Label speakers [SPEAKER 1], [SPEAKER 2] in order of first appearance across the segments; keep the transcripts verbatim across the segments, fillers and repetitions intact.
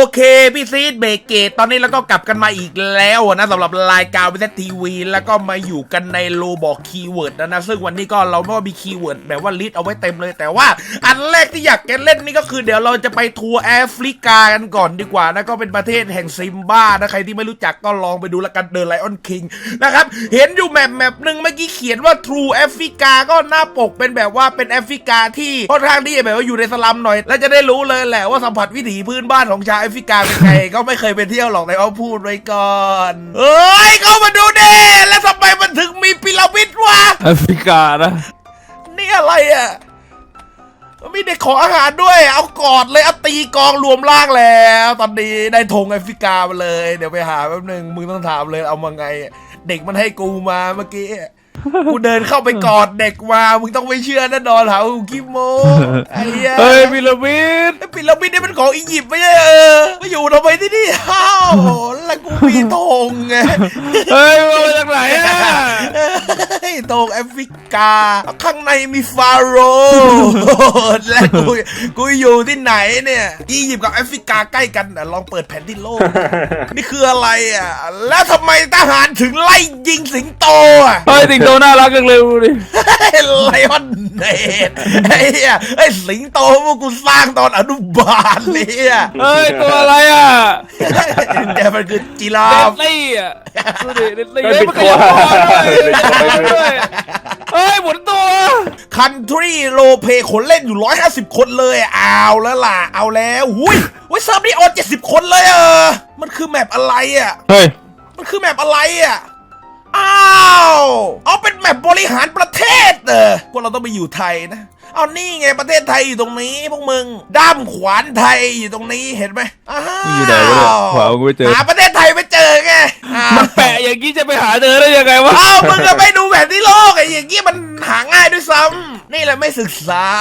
[SPEAKER 1] เคพี่ซีดเบเกตตอนนี้เราก็กลับกันมาอีกแล้วนะสำหรับรายการวิทยทีวีแล้วก็มาอยู่กันในโลบอกคีย์เวิร์ดนะนะซึ่งวันนี้ก็เราไม่ว่ามีคีย์เวิร์ดแบบว่าลิสต์เอาไว้เต็มเลยแต่ว่าอันแรกที่อยากจะเล่นนี่ก็คือเดี๋ยวเราจะไปทัวร์แอฟริกากันก่อนดีกว่านะก็เป็นประเทศแห่งซิมบ้านะใครที่ไม่รู้จักก็ลองไปดูละกันเดอะไลออนคิงนะครับเห็นอยู่แมปแมปหนึ่งเมื่อกี้เขียนว่า True แอฟริกาก็หน้าปกเป็นแบบว่าเป็นแอฟริกาที่ค่อนข้างที่แบบว่าอยู่ในสลัมหน่อยแล้วจะได้รู้เลยแหละว่าสัมผัสวิถีพื้นบ้านของชาวแอฟริกาเป็นไง ก็ไม่เคยไปเที่ยวหรอกแต่เอาพูดไว้ก่อนเอ้ยเข้ามาดูเด้แล้วทำไมมันถึงมีพีระมิดวะ
[SPEAKER 2] แอฟริกานะ
[SPEAKER 1] นี่อะไรอ่ะมีเด็กขออาหารด้วยเอากอดเลยเอาตีกองรวมร่างแล้วตอนนี้ได้ธงแอฟริกามาเลยเดี๋ยวไปหาแป๊บนึงมึงต้องถามเลยเอามาไงเด็กมันให้กูมาเมื่อกี้กูเดินเข้าไปกอดเด็กมามึงต้องไม่เชื่อแน่นอนหากูคิโมไอ้เหี้ย
[SPEAKER 2] เฮ้ยพีระมิด
[SPEAKER 1] พีระมิดนี่มันของอียิปต์ไม่ใช่เออมาอยู่ทำไมที่นี่อ้าวแล้วกูมีธงไง
[SPEAKER 2] เฮ้ยมาจากไหนอ่ะ
[SPEAKER 1] ธงแอฟริกาข้างในมีฟาโรห์และกูกูอยู่ที่ไหนเนี่ยอียิปต์กับแอฟริกาใกล้กันลองเปิดแผนที่โลกนี่คืออะไรอ่ะแล้วทำไมทหารถึงไล่ยิงสิงโตอ่ะ
[SPEAKER 2] เฮ้ยสิงโตน่ารักจังเลยดูดิ
[SPEAKER 1] ไลออนเนตไอ้เหี้ยไอ้สิงโตพวกกูสร้างตอนอนุบาลเนี่ย
[SPEAKER 2] เฮ้ยตัวอะไรอ่ะ
[SPEAKER 1] แต่มันคือจีราฟ
[SPEAKER 2] เดดลี่อ่ะดูดิเดดลี่เฮ้ยมันขยับตัวด้วยเฮ้ยหมุนตัว
[SPEAKER 1] คันทรีโลเพคนเล่นอยู่ร้อยห้าสิบคนเลยเอาแล้วล่ะเอาแล้วหุ้ยหุ้ยเซิร์ฟนี่ออนเจ็ดสิบคนเลยเออมันคือแมปอะไรอ่ะ
[SPEAKER 2] เฮ้ย
[SPEAKER 1] มันคือแมปอะไรอ่ะอ้าวเอาเป็นแมปบริหารประเทศเออพวกเราต้องไปอยู่ไทยนะเอานี่ไงประเทศไทยอยู่ตรงนี้พวกมึงด้ามขวานไทยอยู่ตรงนี้เห็นไหมอ้าว
[SPEAKER 2] อยู่ไหนวะเนี่ยขวานกูไม่เจอ
[SPEAKER 1] หาประเทศไทยไม่เจอไง
[SPEAKER 2] มันแปะอย่างนี้จะไปหาเจอได้ยังไงวะ
[SPEAKER 1] อ้าวมึงก็ไม่ดูแผนที่โลกไอ้อย่างนี้มันหาง่ายด้วยซ้ำนี่แหละไม่ศึกษา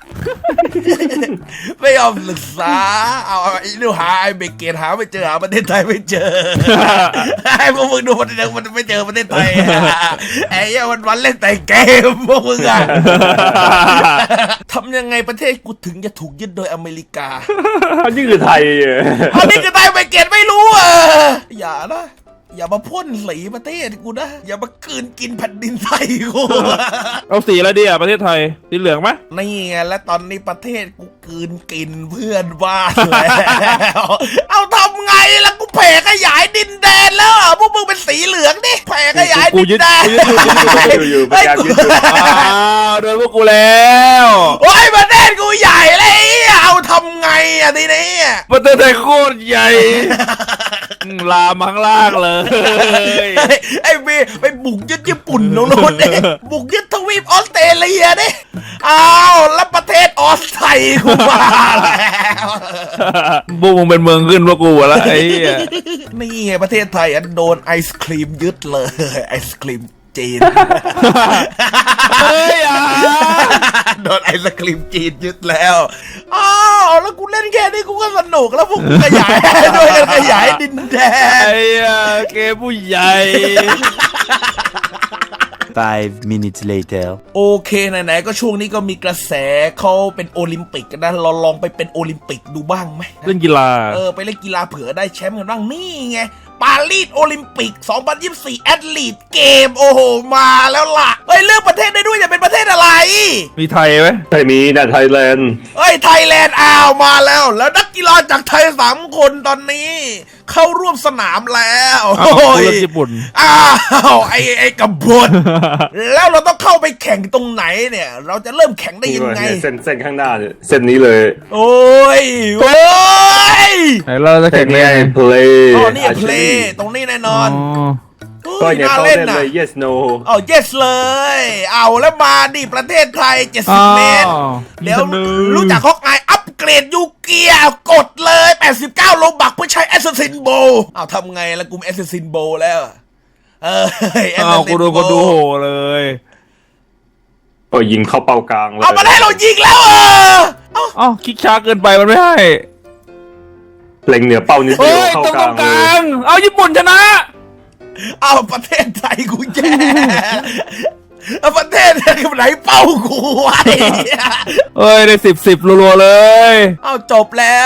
[SPEAKER 1] ไม่ยอมศึกษาเอาไอ้ดูหาไอ้เบเกตหาไม่เจอหาประเทศไทยไม่เจอไอ้พวกมึงดูมันมันไม่เจอประเทศไทยไอ้ยังวันวันเล่นแต่เกมพวกมึงอะทำยังไงประเทศกูถึงจะถูกยึดโดยอเมริกา
[SPEAKER 3] อันนี้คือไทย
[SPEAKER 1] อันนี้คือไทยเบเกตไม่รู้อ่ะอย่านะอย่ามาพ่นสีประเทศกูนะอย่ามากืนกินแผ่นดินไทยกู
[SPEAKER 2] เอาสีอะไรดีอ่ะประเทศไทยสีเหลืองไหม
[SPEAKER 1] นี่ไงและตอนนี้ประเทศกูกืนกินเพื่อนบ้านแล้วเอาทำไงล่ะกูแผ่ขยายดินแดนแล้วพวกมึงเป็นสีเหลืองดิแผ่ขยายดินแดน
[SPEAKER 3] อยู่ๆพยายามยึดอยู่
[SPEAKER 2] อ้าวโดนพวกกูแล้ว
[SPEAKER 1] โอ้ยประเทศกูใหญ่เลยเอาทำไงอ่ะทีนี้
[SPEAKER 2] ประเทศไทยโคตรใหญ่ลามังลากเลย
[SPEAKER 1] ไอ้เบไปบุกยึดญี่ปุ่นโน่นเองบุกยึดทวีปออสเตรเลียดิอ้าวแล้วประเทศออสไทยกูมาแล้ว
[SPEAKER 2] บุกมึงเป็นเมืองขึ้นพวกกูแล้วไอ้
[SPEAKER 1] นี่ไงประเทศไทยอันโดนไอศครีมยึดเลยไอศครีมจีน
[SPEAKER 2] เฮ้ยอ่ะ
[SPEAKER 1] โดนไอศครีมจีนยึดแล้วอ้าวแล้วกูเล่นแค่นี้กูก็สนุกแล้วพวกกูขยายด้วยกันขยายดินแดน
[SPEAKER 2] ไอ้เกมผู้ใหญ่
[SPEAKER 4] five minutes later
[SPEAKER 1] โอเคไหนๆก็ช่วงนี้ก็มีกระแสเขาเป็นโอลิมปิกกันนะเราลองไปเป็นโอลิมปิกดูบ้างไหม
[SPEAKER 2] เล่นกีฬา
[SPEAKER 1] เออไปเล่นกีฬาเผื่อได้แชมป์กันบ้างนี่ไงปารีสโอลิมปิกสองพันยี่สิบสี่แอตลีทเกมโอ้โหมาแล้วล่ะเฮ้ยเลือกประเทศได้ด้วยจะเป็นประเทศอะไร
[SPEAKER 2] มีไทยไหม
[SPEAKER 3] ไทยมีนะไทยแลนด์
[SPEAKER 1] เฮ้ยไทยแลนด์อ้าวมาแล้วแล้วนักกีฬาจากไทยสามคนตอนนี้เข้าร่วมสนามแล้ว
[SPEAKER 2] โอ้ยญี่ปุ่น
[SPEAKER 1] อ้าวไอ้ไอ้กบฏแล้วเราต้องเข้าไปแข่งตรงไหนเนี่ยเราจะเริ่มแข่งได้ยังไง
[SPEAKER 3] เส้นเส้นข้างหน้าเนี่ยเส้นนี้เลย
[SPEAKER 1] โอ้ยโอ้ย
[SPEAKER 2] เราจะแข่ง
[SPEAKER 3] ไง play
[SPEAKER 1] อ๋อนี่เพลย์ตรงนี้แน่นอน
[SPEAKER 3] ก็อย่าเข้าเล่นเลย yes no
[SPEAKER 1] อ๋อ yes เลยเอาแล้วมาดิประเทศไทยเจ็ดสิบเมตรเดี๋ยวรู้จักฮอกอายอัปเกรดยูเกียกดเลยแปดสิบเก้าโลบักเพื่อใช้แอสซัสซินโบเอาทำไงละกูแอสซัสซินโบแล้วเออ
[SPEAKER 2] เอากูดูกูดูโหเลย
[SPEAKER 3] โอ้ยิงเข้าเป้ากลาง
[SPEAKER 1] เลยเอามาให้เรายิงแล้วเออ
[SPEAKER 2] อ๋อคลิกช้าเกินไปมันไม่ให้
[SPEAKER 3] เล็งเหนือเป้านิดเดียวเข้ากลางเลย
[SPEAKER 2] เอาญี่ปุ่นชนะ
[SPEAKER 1] เอาประเทศไทยกูแย่เอาประเทศไหนเป้ากูไว้
[SPEAKER 2] เอ้ยได้สิบสิบรัวๆเลย
[SPEAKER 1] เอาจบแล้ว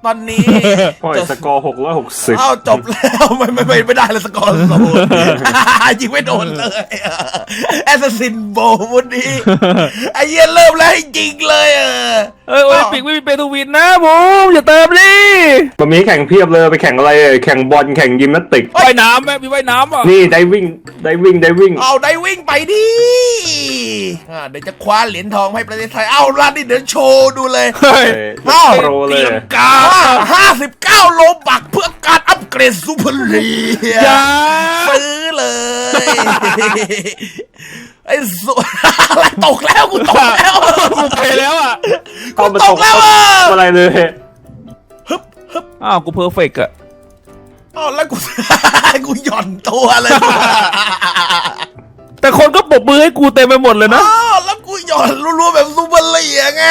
[SPEAKER 1] ตอนนี้
[SPEAKER 3] ปล่อยสกอร์หกร้อยหกสิบ
[SPEAKER 1] เอ้าจบแล้วไม่ไม่ไม่ไม่ได้เลยสกอร์ศูนย์ยิงไม่โดนเลยแอสซัสซินโบวันนี้ไอ้เหี้ยเริ่มแล้วให้ยิงเลยเออ
[SPEAKER 2] เอ้ยโอลิมปิกไม่มีเปตูวินนะผมอย่าเติมดิ
[SPEAKER 3] มันมีแข่งเพียบเลยไปแข่งอะไรแข่งบอลแข่งยิมนาสติก
[SPEAKER 2] ว่ายน้ำไหมมีว่ายน้ำอ่ะ
[SPEAKER 3] นี่ไดวิ่งไดวิ่งไดวิ่ง
[SPEAKER 1] เอาได้วิ่งไปดิอ่าเดี๋ยวจะคว้าเหรียญทองให้ประเทศไทยเอาล่ะนี่เดี๋ยวโชว์ดูเลย
[SPEAKER 2] เฮ้ย
[SPEAKER 3] เอ้าโปรเลย
[SPEAKER 1] กาห้าสิบเก้าโลบักเพื่อการอัปเกรดซูเปอร์ลีก
[SPEAKER 2] อย่า
[SPEAKER 1] ซื้อเลยไอ้สุอะไรตกแล้วกูตกแล้ว
[SPEAKER 2] กูไปแล้วอ่ะ
[SPEAKER 1] กูตกแล้วอ่ะ
[SPEAKER 3] อะไรเลย
[SPEAKER 1] ฮึบฮึบ
[SPEAKER 2] อ้าวกูเพอร์เฟกต์อ่ะ
[SPEAKER 1] อ๋อแล้วกู กูหย่อนตัวเลย
[SPEAKER 2] แต่คนก็ปรบมือให้กูเต็มไปหมดเลยนะ
[SPEAKER 1] อ๋อแล้วกูหย่อนรัวๆแบบซูเปอร์ลีกไง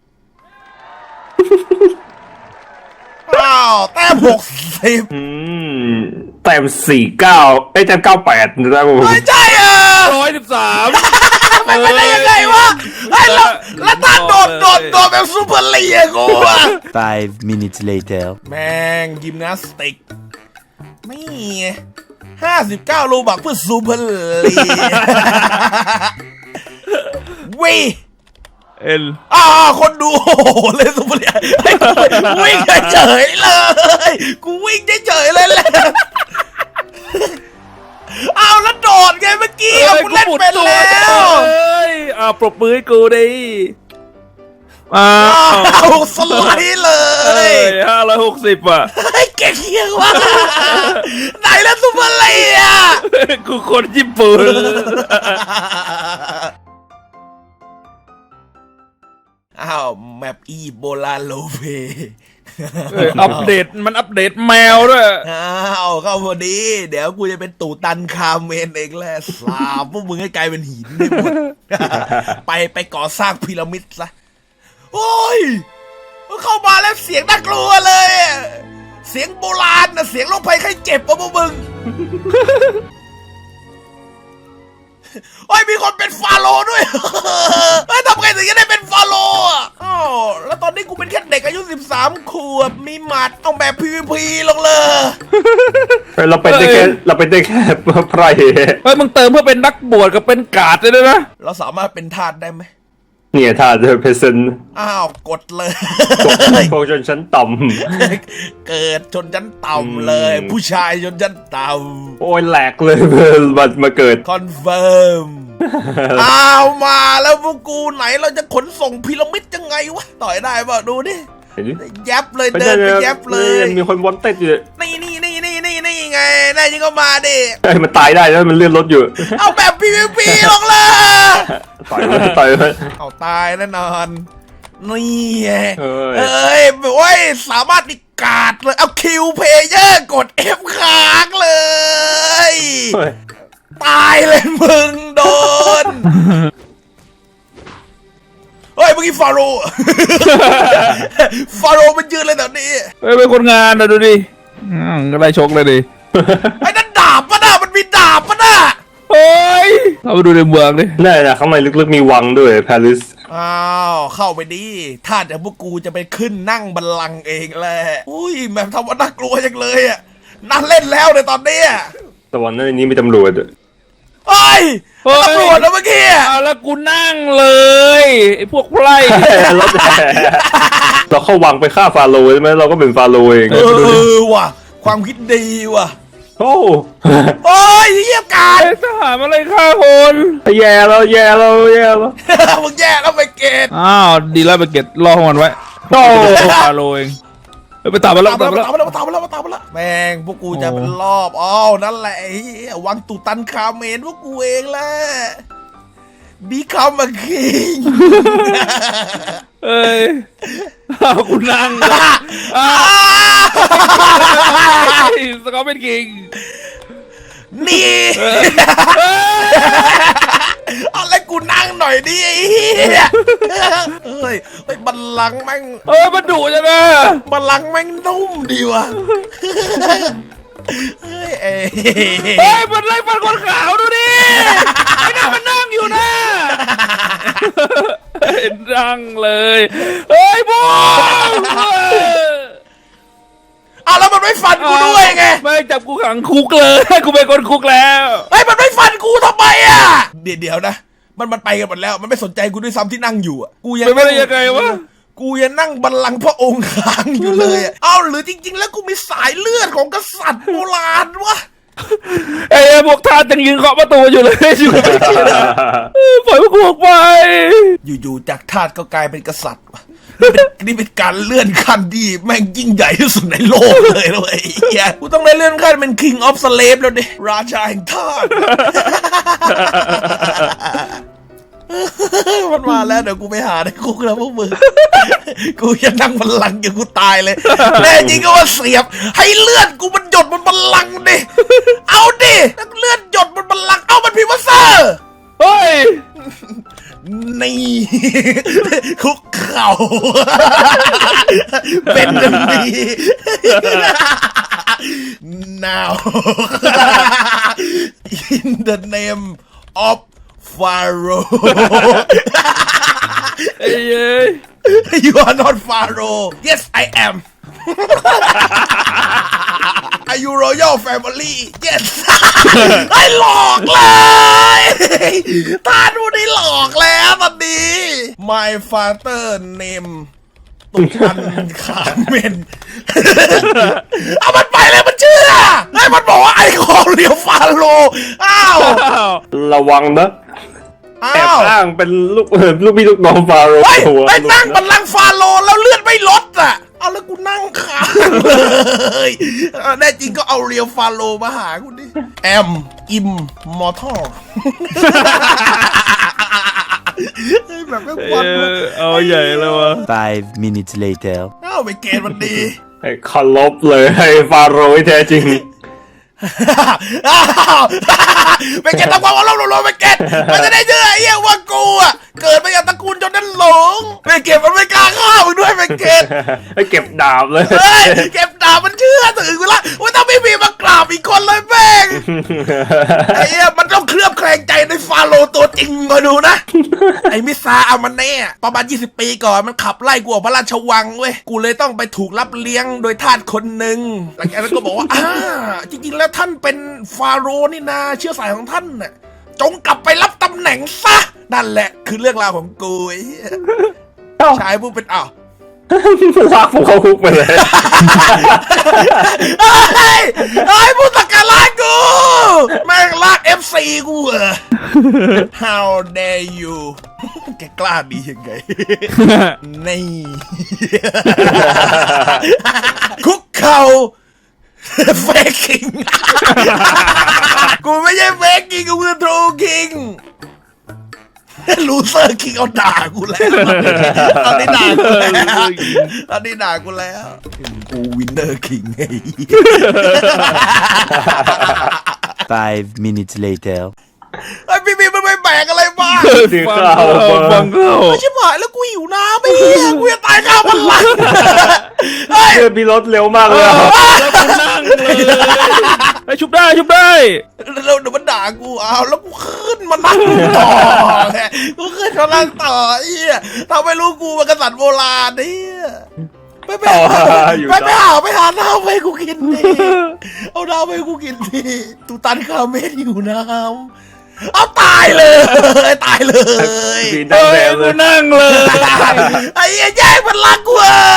[SPEAKER 1] อ้าวแต้มหกสิบ
[SPEAKER 3] อืมแต้มสี่เก้าไอ้ยแต้มเก้าแปดนะผม
[SPEAKER 1] ไม่ใช่อ่ะ
[SPEAKER 2] ร้อยสิบสาม
[SPEAKER 1] มันเป็นได้ยังไงวะไอ้แล้วแล้วถ้าโดดโดดโดดแบบซูเปอร์ลีกกูอ่ะ
[SPEAKER 4] Five minutes later.
[SPEAKER 1] แม่งยิมนาสติกไม่ห้าสิบเก้าโลบักเพื่อซูเปอร์ลีกวี
[SPEAKER 2] เอ็น
[SPEAKER 1] อ่าคนดูโอ้โหเลยซูเปอร์ลีกให้กูวิ่งเฉยๆเลยกูวิ่งเฉยๆเลยแหละเอาแล้วโดดไงเมื่อกี้เอากูเล่นเป็นแล้ว
[SPEAKER 2] เอ้ยอ่าปรบมือให้กูดิอ้า
[SPEAKER 1] เอา
[SPEAKER 2] ว
[SPEAKER 1] สไลด์เล
[SPEAKER 2] เอ้
[SPEAKER 1] ย
[SPEAKER 2] ยห้าร้อยหกสิบอ่ะ
[SPEAKER 1] ไอ้เก่งเหี้ยว่ะไหนแล้วซูเปอร์ลีกอ่ะ
[SPEAKER 2] กูคนญี่ปุ่น
[SPEAKER 1] อ้าวแมปอีโบลาโลเป
[SPEAKER 2] เอ้ยอัปเดตมันอัปเดตแมวด้วย
[SPEAKER 1] อ้าวเข้าพอดี เดี๋ยวกูจะเป็นตู่ตันคาเมนเองแหละสาบพวกมึงให้กลายเป็นหินได้หมด ไปไปก่อสร้างพีระมิดซะโอ้ยเข้ามาแล้วเสียงน่ากลัวเลย เสียงโบราณนะเสียงโรคภัยไข้เจ็บวะพวกมึง โอ้ยมีคนเป็นฟาโรห์ด้วย เฮ้ยทำไงถึงจะได้เป็นฟาโรห์อ่ะอ้าวแล้วตอนนี้กูเป็นแค่เด็กอายุสิบสามขวบมีหมัดเอาแบบ พี วี พี ลงเลย
[SPEAKER 3] เราเป็นได้แค่เราเป็นได้แค่ไพร่
[SPEAKER 2] เฮ้ยมึงเติมเพื่อเป็นนักบวชกับเป็นกาดเลยนะ
[SPEAKER 1] เราสามารถเป็นทาสได้ไหม
[SPEAKER 3] เนี่ยถ้าเธอเพเซน
[SPEAKER 1] อ้าวกดเลย
[SPEAKER 3] พวกชนชั้นต่
[SPEAKER 1] เกิดชนชั้นต่ำเลย
[SPEAKER 3] อืม
[SPEAKER 1] ผู้ชายชนชั้นต่
[SPEAKER 3] ำโอ้ยแหลกเลยมันมาเกิด
[SPEAKER 1] ำคอนเฟิร์ม อ้าวมาแล้วพวกกูไหนเราจะขนส่งพีระมิดยังไงวะ ต่อยได้ป่ะดูดิ
[SPEAKER 3] เห็นไหม
[SPEAKER 1] แยบเลยเดินไปแยบเลย
[SPEAKER 3] มีคนวอนเต็ดอยู่
[SPEAKER 1] นี่นี่นี่นี่นี่นี่ไงได้ยิงก็มาดิ
[SPEAKER 3] ไอ้ยมันตายได้แล้วมันเลื่อนรถอยู่
[SPEAKER 1] เอาแบบ พี วี พี ลงเลย
[SPEAKER 3] ต่อยมันต่อยมัน
[SPEAKER 1] เอาตายแน่นอน นี่ไง
[SPEAKER 3] เอ้ย
[SPEAKER 1] เอ้ยโอ้ยสามารถดิกาดเลย เอาคิวเพย์เยอร์กด F ค้างเลย
[SPEAKER 3] เฮ้ย
[SPEAKER 1] ตายเลยมึงโดน เฮ้ยเมื่อกี้ฟาโรห์ ฟาโรห์มันยืนเลยแบบนี้
[SPEAKER 2] เฮ้ยเป็นคนงานนะดูดิอืมก็ได้ชกเลยดิ
[SPEAKER 1] ไอ้นั่นดาบปะน่ะมันมีดาบปะน่ะ
[SPEAKER 2] เฮ้ยเราไปดูในเมืองดิ
[SPEAKER 3] นี่นะข้างในลึกๆมีวังด้วยปารีส
[SPEAKER 1] อ้าวเข้าไปดิถ้าเดี๋ยวพวกกูจะไปขึ้นนั่งบัลลังก์เองแหละอุ้ยแบบทำว่าน่ากลัวจังเลยอ่ะนั่นเล่นแล้วในตอนนี้
[SPEAKER 3] แต่วันนั้นนี้มีตำรวจอะ
[SPEAKER 1] เฮ้ยตำรวจนะเมื่อกี้
[SPEAKER 2] เอาแล้วกูนั่งเลยไอ้พวกไพร่
[SPEAKER 3] รถแห่เราเข้าวังไปฆ่าฟาโรห์ใช่ไหมเราก็เป็นฟาโรห์เอง
[SPEAKER 1] เออว่ะความคิดดีว่ะ
[SPEAKER 3] โอ้
[SPEAKER 1] โอ้ยเยี่ยมการ
[SPEAKER 2] ไอ้ทหารมาเลยฆ่าคน
[SPEAKER 3] แย่แล้วแย่แล้วแย่แล้ว
[SPEAKER 1] มึงแย่แล้วไปเกต
[SPEAKER 2] อ้าวดีแล้วไปเก็ตรอของมันไว้
[SPEAKER 3] โอ้
[SPEAKER 2] ฟาโรเองเฮ้ยไปตามมาแล้ว
[SPEAKER 1] ตาม
[SPEAKER 2] ตาม
[SPEAKER 1] มา
[SPEAKER 2] มา
[SPEAKER 1] แล้
[SPEAKER 2] แล้ว ว
[SPEAKER 1] ตามมาแล้วตามมาแล้วตามมาแล้วแม่งพวกกูจะเป็นรอบอ้าวนั่นแหละไอ้เหี้ยวังตุตันคาเมนพวกกูเองแหละ become a king
[SPEAKER 2] เอ้ยเอากูนั่งเลยอ้าวสกอตเป็นคิง
[SPEAKER 1] นี่ เอาอะไรกูนั่งหน่อยดิไอ้เหี้ยเฮ้ยเฮ้ยบัลลังก์แม่ง
[SPEAKER 2] เออมันดุจังนะ
[SPEAKER 1] บัลลังก์แม่งนุ่มดีว่ะเฮ้ยเอ้ย
[SPEAKER 2] เฮ้ยมันไล่ฟันคนขาวดูดิไอ้นั่นมันนั่งอยู่นะนั่งเลยเฮ้ยบูม
[SPEAKER 1] เอาแล้วมันไม่ฟันกูด้วยไง
[SPEAKER 2] ไม่จับกูขังคุกเลยกูเป็นคนคุกแล้ว
[SPEAKER 1] เฮ้ยมันไม่ฟันกูทำไมอ่ะเดี๋ยวเดี๋ยวนะมันมันไปกันหมดแล้วมันไม่สนใจกูด้วยซ้ำที่นั่งอยู่อ่ะกูยัง
[SPEAKER 2] ไม่ได้ยังไงวะ
[SPEAKER 1] กูยังนั่งบัลลังก์พระองค์ค้างอยู่เลยอะเอาหรือจริง ๆ แล้วกูมีสายเลือดของกษัตริย์โบราณวะ
[SPEAKER 2] ไอ้พวกทาสยังยืนเคาะประตูอยู่เลยอยู่ไม่ได้นะปล่อยพวกกูออกไป
[SPEAKER 1] อยู่ๆจากทาสก็กลายเป็นกษัตริย์วะนี่เป็นนี่เป็นการเลื่อนขั้นที่แม่งยิ่งใหญ่ที่สุดในโลกเลยนะเลยไอ้เหี้ยกูต้องได้เลื่อนขั้นเป็น King of Slave แล้วดิราชาแห่งทาส มันมาแล้วเดี๋ยวกูไปหาในคุกแล้วพวกมึง กูจะนั่งบัลลังก์อย่างกูตายเลยแน่จริงก็ว่าเสียบให้เลือดกูมันหยดบนบัลลังก์ดิเอาดิเลือดหยดบนบัลลังก์เอามันพิมพ์ว่าเซอร์
[SPEAKER 2] เฮ้ย
[SPEAKER 1] นี่ คุกเข่า เป็นดังนี้ now in the name of Pharaoh
[SPEAKER 2] ไอ้เย้ย
[SPEAKER 1] you are not Pharaoh yes I am are you royal family yes ไอ้หลอกเลยท่านผู้นี้หลอกแล้วตอนนี้ my father name ตุกันขาเมน เอามันไปเลยมันเชื่อไอ้มันบอกว่าไอ้ของเรียวฟาโรอ้าว
[SPEAKER 3] ระวังนะแอบ
[SPEAKER 1] อ้าว
[SPEAKER 3] อ้างเป็นลูกเออลูกพี่ลูกน้องฟาโรห์
[SPEAKER 1] เฮ้ย
[SPEAKER 3] ตัว
[SPEAKER 1] ไปนั่งบัลลังก์ฟาโรห์แล้วเลือดไม่ลดอ่ะ เอาแล้วกูนั่งค้างเลยเออแน่จริงก็เอาเรียวฟาโรห์มาหากูดิแอมอิมมอร์ทัลแบบไม่ควร
[SPEAKER 2] เออเอาใหญ่เลยวะ
[SPEAKER 4] Five minutes later.
[SPEAKER 1] เอ้าไปเกณฑ์มันดี
[SPEAKER 3] ให้เคารพเลยให้ฟาโรห์ที่แท้จริง
[SPEAKER 1] ไปเกณฑ์ตะความเอาเราเราไปเกณฑ์มันจะได้เชื่อไอ้เหี้ยว่ากูอ่ะเกิดมาจากตระกูลจนนั้นหลงไปเกณฑ์มันไม่กล้าฆ่ามึงด้วยไปเกณฑ์
[SPEAKER 3] ให้เก็บดาบเลย
[SPEAKER 1] เฮ้ยเก็บดาบมันเชื่อถือกูละว่าถ้าไม่มีมากราบอีกคนเลยแม่งไอ้เหี้ยมันต้องเคลือบแคลงใจในฟาโรห์ตัวจริงมาดูนะ ไอ้มิซาอามันเน่ประมาณยี่สิบปีก่อนมันขับไล่กูออกพระราชวังเว้ยกูเลยต้องไปถูกรับเลี้ยงโดยทาสคนหนึ่งหลังจากนั้นก็บอกว่าอ่าจริงๆแล้วท่านเป็นฟาโรห์นี่นาเชื้อสายของท่านน่ะจงกลับไปรับตำแหน่งซะนั่นแหละคือเรื่องราวของกูไอ้เหี้ยชายผู้เป็นอ้าว
[SPEAKER 3] ลากผมเข้าคุกไปเลย
[SPEAKER 1] เฮ้ยเฮ้ยผู้สักการะกูแม่งลาก เอฟ ซี กูเหรอ How dare you แกกล้าดียังไง นี่ คุกเข่า เฟกคิง กูไม่ใช่เฟกคิงกูคือทรูคิง ลูเซอร์คิงเอาด่ากูแล้วตอนนี้ด่ากูแล้วตอนนี้ด่ากูแล้วกูวินเนอร์คิงไง
[SPEAKER 4] Five minutes later.
[SPEAKER 1] ไอ้พี่บีมันไม่แบกอะไรบ้าง
[SPEAKER 3] สีขาว
[SPEAKER 2] ฟังเข้า
[SPEAKER 1] ไม่ใช่หายแล้วกูหิวน้ำไม่เหี้ยกูจะตายข้าวมันลังเฮ้ย
[SPEAKER 3] เดินมีรถเร็วมากเลยอะ
[SPEAKER 2] แล้วกูนั่งเลยไอ้ชุบได้ชุบได้
[SPEAKER 1] แล้วเดี๋ยวมันด่ากูเอาแล้วกูขึ้นมานั่งต่อไงกูขึ้นมานั่งต่อไอ้เหี้ยทำให้รู้กูเป็นกษัตริย์โบราณเนี่ยไปไปหาไปไปหาไปหาน้ำให้กูกินดิเอาน้ำให้กูกินดิตูตันคาเมนอยู่น้ำเอาตายเลยตายเลย
[SPEAKER 3] สีนั่ง
[SPEAKER 2] เฮ้
[SPEAKER 3] แด
[SPEAKER 2] ย
[SPEAKER 3] งเล
[SPEAKER 2] กู
[SPEAKER 3] ย
[SPEAKER 2] นั่งเลย
[SPEAKER 1] ไอ้เหี้ยแย่งมันรักกูอ่ะ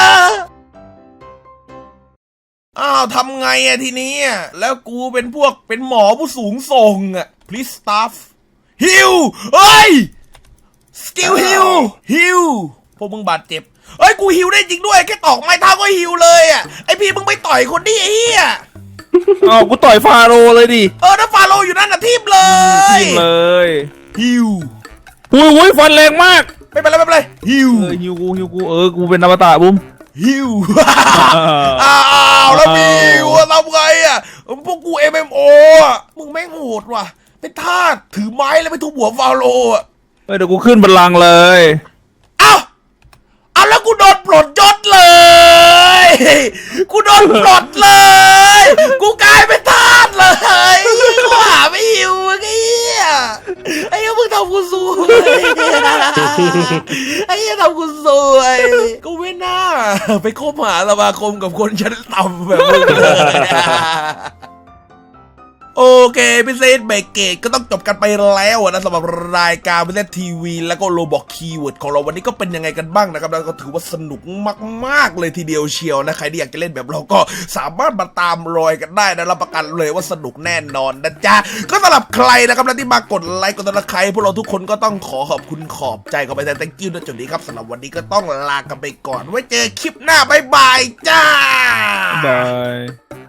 [SPEAKER 1] อ้าวทำไงอะทีนี้อะแล้วกูเป็นพวกเป็นหมอผู้สูงส่งอะ please staff ฮิวเฮ้ยสกิลฮิวฮิวพวกมึงบาดเจ็บเฮ้ยกูฮิวได้จริงด้วยแค่ตอกไม้เท้าก็ฮิวเลยอะไอพี่มึงไปต่อยคนนี้ไอ้เหี้ย
[SPEAKER 2] อ้าวกูต่อยฟาโรห์เลยดิ
[SPEAKER 1] เออถ้าฟาโรห์อยู่นั่นน่ะทีมเลย
[SPEAKER 2] ทิ้งเลย
[SPEAKER 1] ฮิว
[SPEAKER 2] อุ้ยอุ้ยฟันแรงมาก
[SPEAKER 1] ไม่เป็นไรไม่เป็นไรฮิว
[SPEAKER 2] เออฮิวกูฮิวกูเออกูเป็นอมตะบุ้ม
[SPEAKER 1] ฮิว อ้าวแล้วมีว่าทำไงอ่ะพวกกู เอ็ม เอ็ม โอ อ่ะมึงแม่งโหดว่ะเป็นทาสถือไม้แล้วไปทุบหัวฟาโรห์อ่ะ
[SPEAKER 2] เฮ้ยเดี๋ยวกูขึ้นบัลลังก์เลย
[SPEAKER 1] เอ้าเอาแล้วกูโดนปลดยศเลย กูโดนปลดเลย กูกลายเป็นทาสเลยกูหาไม่หิวไอ้เหี้ยไอ้เหี้ยมึงทำกูสู้เลยไอ้ยังทำกูสวยกูไม่น่าไปคบหาสมาคมกับคนชั้นต่ำแบบมึงเลยโอเคพิเศษเบรกเกตก็ต้องจบกันไปแล้วนะสำหรับรายการพิเศษทีวีแล้วก็โลบอกคีย์เวิร์ดของเราวันนี้ก็เป็นยังไงกันบ้างนะครับแล้วก็ถือว่าสนุกมากๆเลยทีเดียวเชียวนะใครที่อยากจะเล่นแบบเราก็สามารถมาตามรอยกันได้นะรับประกันเลยว่าสนุกแน่นอนนะจ๊ะก็สำหรับใครนะครับที่มากดไลค์กดติดตามใครพวกเราทุกคนก็ต้องขอขอบคุณขอบใจขอบไปแทน thank you นะจุดนี้ครับสำหรับวันนี้ก็ต้องลากันไปก่อนไว้เจอคลิปหน้าบ๊ายบายจ้า
[SPEAKER 2] บาย